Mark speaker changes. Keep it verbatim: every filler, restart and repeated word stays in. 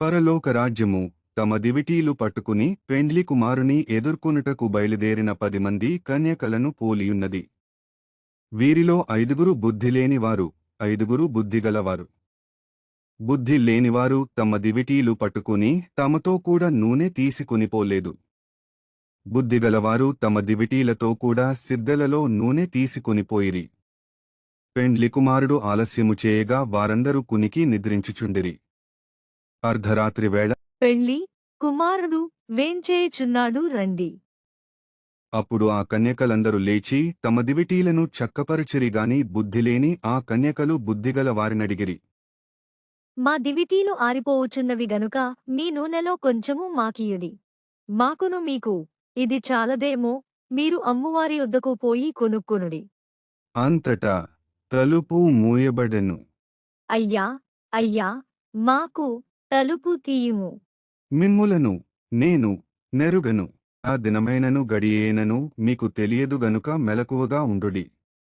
Speaker 1: పరలోకరాజ్యము తమ దివిటీలు పట్టుకుని పెండ్లి కుమారుని ఎదుర్కొనుటకు బయలుదేరిన పదిమంది కన్యకలను పోలియున్నది. వీరిలో ఐదుగురు బుద్ధిలేనివారు, ఐదుగురు బుద్ధిగలవారు. బుద్ధి లేనివారు తమ దివిటీలు పట్టుకుని తమతో కూడా నూనె తీసుకునిపోలేదు. బుద్ధిగలవారు తమ దివిటీలతో కూడా సిద్ధలలో నూనె తీసుకునిపోయిరి. పెండ్లి కుమారుడు ఆలస్యము చేయగా వారందరూ కునికి నిద్రించుచుండిరి. అర్ధరాత్రి వేళ
Speaker 2: పెళ్లి కుమారుడు వేంచేయుచున్నాడు రండి.
Speaker 1: అప్పుడు ఆ కన్యకలందరూ లేచి తమ దివిటీలను చక్కపరచిరిగాని బుద్ధిలేని ఆ కన్యకలు బుద్ధిగల వారినడిగిరి.
Speaker 2: మా దివిటీలు ఆరిపోవుచున్నవి గనుక మీ నూనెలో కొంచెము మాకియుడి. మాకును మీకు ఇది చాలదేమో, మీరు అమ్మువారి యొద్దకు పోయి కొనుక్కొనుడి.
Speaker 1: అంతటా తలుపు మూయబడెను.
Speaker 2: అయ్యా అయ్యా మాకు తలుపు తీయుము.
Speaker 1: మిమ్ములను నేను నెరుగను. ఆ దినమైనను గడియేనను మీకు తెలియదు గనుక మెలకువగా ఉండుడి.